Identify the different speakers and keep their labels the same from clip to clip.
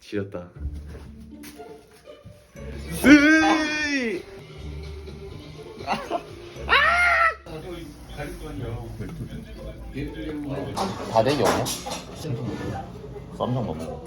Speaker 1: 지렸다.
Speaker 2: 다대기 없냐? 쌈장 먹어.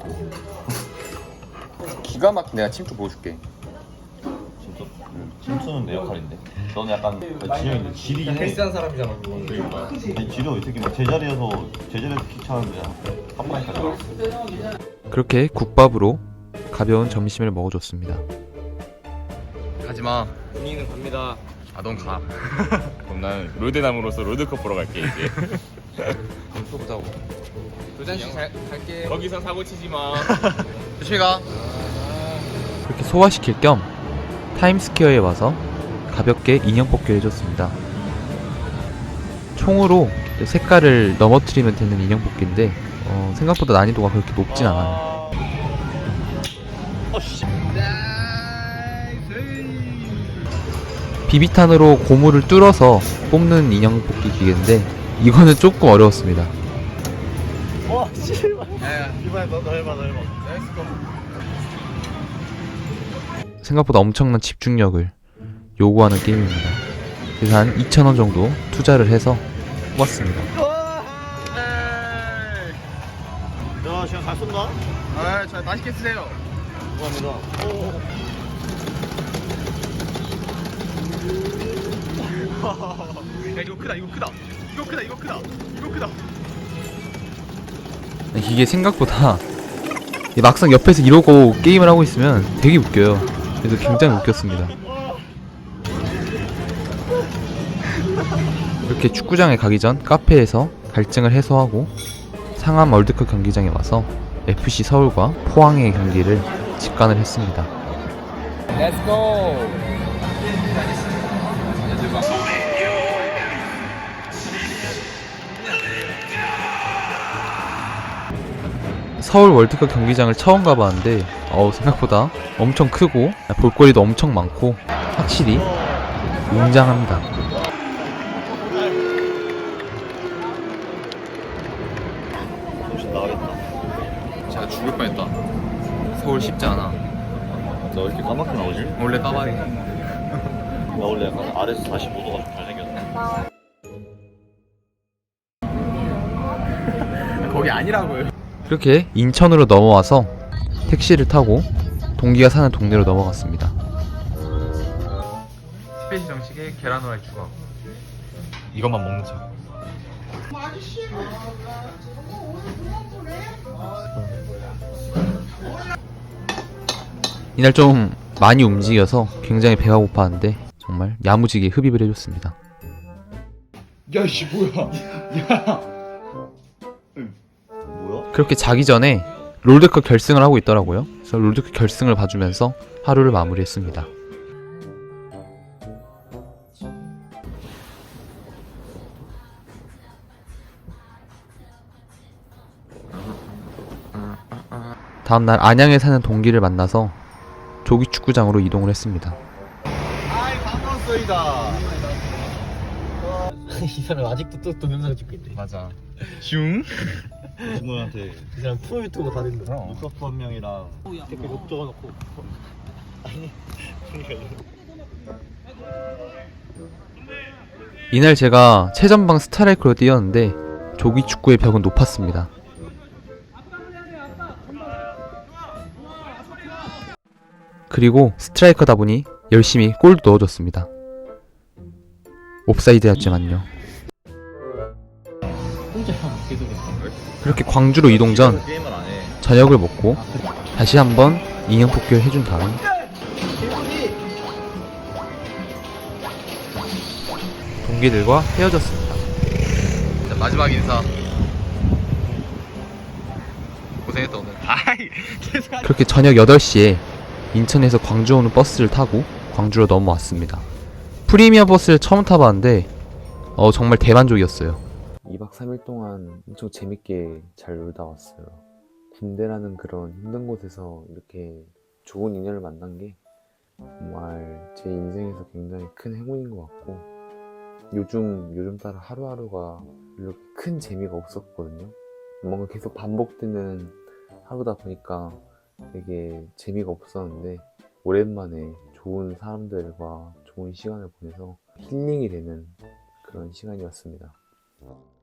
Speaker 2: 기가 막힌 내가 침투 보여줄게.
Speaker 3: 진짜? 침투는 내 역할인데. 너는 약간 진영인데 질이 해.
Speaker 1: 패스한 사람이잖아 그거.
Speaker 3: 아니 지려 이 새끼 막 제자리에서 귀찮은데 한 마리까지 나왔어.
Speaker 4: 그렇게 국밥으로 가벼운 점심을 먹어줬습니다.
Speaker 2: 가지마.
Speaker 1: 분위기는 갑니다.
Speaker 2: 아 넌 가. 그럼 난 롤드남으로서 롤드컵 보러 갈게 이제. 그럼 또 보자고. 도전씨 잘 갈게. 거기서 사고 치지 마. 조심히 가.
Speaker 4: 그렇게 소화시킬 겸 타임스퀘어에 와서 가볍게 인형 뽑기를 해줬습니다. 총으로 색깔을 넘어뜨리면 되는 인형 뽑기인데 생각보다 난이도가 그렇게 높진 않아요. 비비탄으로 고무를 뚫어서 뽑는 인형 뽑기 기계인데 이거는 조금 어려웠습니다.
Speaker 3: 와 씨발. 이번에 너 해봐.
Speaker 4: 생각보다 엄청난 집중력을 요구하는 게임입니다. 그래서 한 2,000원 정도 투자를 해서 뽑았습니다.
Speaker 3: 야 시간 잘 쏜다.
Speaker 2: 아잘 맛있게 쓰세요.
Speaker 3: 감사합니다.
Speaker 2: 야 이거 크다.
Speaker 4: 이게 생각보다 막상 옆에서 이러고 게임을 하고 있으면 되게 웃겨요. 그래서 굉장히 웃겼습니다. 이렇게 축구장에 가기 전 카페에서 갈증을 해소하고 상암 월드컵 경기장에 와서 FC 서울과 포항의 경기를 직관을 했습니다.
Speaker 2: Let's go.
Speaker 4: 서울 월드컵 경기장을 처음 가봤는데 생각보다 엄청 크고 볼거리도 엄청 많고 확실히 웅장합니다.
Speaker 3: 정신 나가겠다.
Speaker 2: 제가 죽을 뻔했다. 서울 쉽지 않아.
Speaker 3: 너 왜 이렇게 까맣게 나오지?
Speaker 2: 원래 까마귀.
Speaker 3: 나 원래 약간 아래에서 45도가 좀 잘생겼네.
Speaker 2: 거기 아니라고요.
Speaker 4: 그렇게 인천으로 넘어와서 택시를 타고 동기가 사는 동네로 넘어갔습니다. 스페이시 정식에 계란 후라이 추가.
Speaker 2: 이것만 먹는 척.
Speaker 4: 이날 좀 많이 움직여서 굉장히 배가 고팠는데 정말 야무지게 흡입을 해줬습니다.
Speaker 1: 야이씨 뭐야? 야.
Speaker 3: 뭐야?
Speaker 4: 그렇게 자기 전에 롤드컵 결승을 하고 있더라고요. 그래서 롤드컵 결승을 봐주면서 하루를 마무리했습니다. 다음날 안양에 사는 동기를 만나서 조기 축구장으로 이동을 했습니다.
Speaker 3: 아이 반가웠어이다.
Speaker 1: 이 사람 아직도 또 동영상 찍고 있네.
Speaker 2: 맞아. 슝.
Speaker 3: 친구한테
Speaker 1: 이 사람 프로 유튜버 다 됐는데.
Speaker 3: 루카프 한 명이랑
Speaker 1: 댓글 욕 적어놓고.
Speaker 4: 이날 제가 최전방 스트라이커로 뛰었는데 조기 축구의 벽은 높았습니다. 그리고 스트라이커다 보니 열심히 골도 넣어줬습니다. 옵사이드였지만요. 그렇게 광주로 이동 전
Speaker 3: 게임을 안 해.
Speaker 4: 저녁을 먹고 다시 한번 인형 뽑기를 해준 다음 동기들과 헤어졌습니다.
Speaker 2: 자, 마지막 인사. 고생했다 오늘. 아이.
Speaker 4: 그렇게 저녁 8시에 인천에서 광주 오는 버스를 타고 광주로 넘어왔습니다. 프리미어 버스를 처음 타봤는데 정말 대만족이었어요. 2박 3일 동안 엄청 재밌게 잘 놀다 왔어요. 군대라는 그런 힘든 곳에서 이렇게 좋은 인연을 만난 게 정말 제 인생에서 굉장히 큰 행운인 것 같고 요즘 따라 하루하루가 이렇게 큰 재미가 없었거든요. 뭔가 계속 반복되는 하루다 보니까 되게 재미가 없었는데 오랜만에 좋은 사람들과 좋은 시간을 보내서 힐링이 되는 그런 시간이었습니다.